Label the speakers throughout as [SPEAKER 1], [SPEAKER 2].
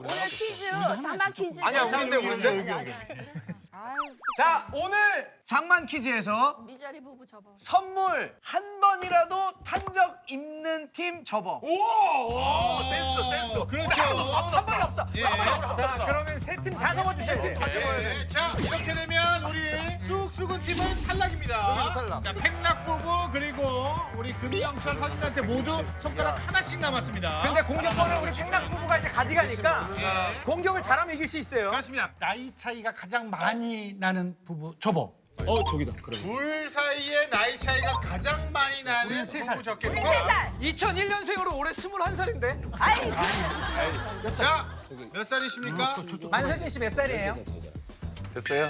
[SPEAKER 1] 오늘 퀴즈, 장난 퀴즈.
[SPEAKER 2] 아니야, 우리인데.
[SPEAKER 1] 아유,
[SPEAKER 3] 자, 오늘 장만 퀴즈에서
[SPEAKER 1] 미자리 부부 접어.
[SPEAKER 3] 선물 한 번이라도 탄 적 있는 팀 접어.
[SPEAKER 2] 오, 센스.
[SPEAKER 4] 그렇죠.
[SPEAKER 3] 한 번이 없어.
[SPEAKER 4] 예.
[SPEAKER 3] 자, 그러면 세 팀 다 접어주셔야 돼요.
[SPEAKER 4] 예. 자, 이렇게 되면 우리 쑥쑥은 팀은 탈락입니다.
[SPEAKER 2] 탈락.
[SPEAKER 4] 자, 팽락 부부 그리고 우리 금영철 서진한테 모두 손가락 하나씩 남았습니다.
[SPEAKER 3] 근데 공격권을 우리 팽락 부부가 이제 가져가니까
[SPEAKER 4] 예.
[SPEAKER 3] 공격을 잘하면 이길 수 있어요.
[SPEAKER 4] 그렇습니다.
[SPEAKER 5] 나이 차이가 가장 많이 나는 부부 접어.
[SPEAKER 2] 저기다. 그래.
[SPEAKER 4] 둘 사이의 나이 차이가 가장 많이 나는 부부 적겠습니다.
[SPEAKER 1] 3살.
[SPEAKER 3] 2001년생으로 올해 21살인데?
[SPEAKER 1] 아이, 그런 거
[SPEAKER 4] 자, 몇 살이십니까?
[SPEAKER 3] 만서진 씨 몇 살이에요?
[SPEAKER 2] 됐어요?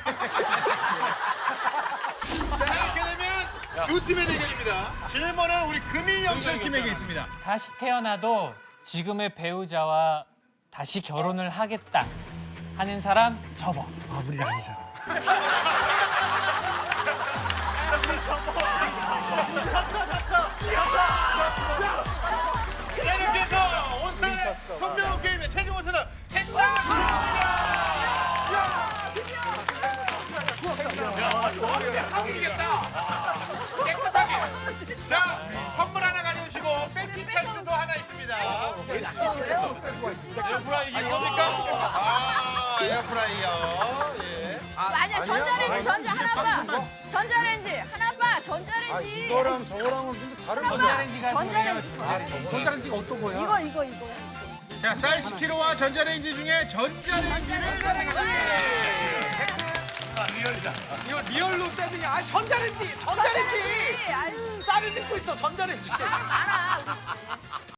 [SPEAKER 4] 자, 이렇게 되면 두 팀의 대결입니다. 질문은 우리 금이영철 팀에게 있습니다.
[SPEAKER 6] 다시 태어나도 지금의 배우자와 다시 결혼을 하겠다 하는 사람 접어.
[SPEAKER 5] 아, 우리 아니잖아.
[SPEAKER 4] 자, 이렇게 해서 오늘 손병호 게임의 최종 우승은 팽락입니다. 자, 선물 하나 가져오시고 뺏기 찬스도 하나 있습니다. 에어프라이기 뭡니까? 에어프라이어. 예.
[SPEAKER 1] 아니야, 전자레인지, 하나봐. 전자레인지, 하나봐, 전자레인지.
[SPEAKER 4] 이거랑 저거랑은 좀 다른 거죠?
[SPEAKER 6] 전자레인지가
[SPEAKER 1] 전자레인지.
[SPEAKER 5] 전자레인지가 어떤 거야?
[SPEAKER 1] 이거.
[SPEAKER 4] 자, 쌀 10kg와 전자레인지 중에 전자레인지를 선택해주세요.
[SPEAKER 3] 이거 리얼로 따지냐? 아, 전자레인지!
[SPEAKER 1] 아유,
[SPEAKER 3] 쌀을 찍고 있어, 전자레인지.
[SPEAKER 1] 알아.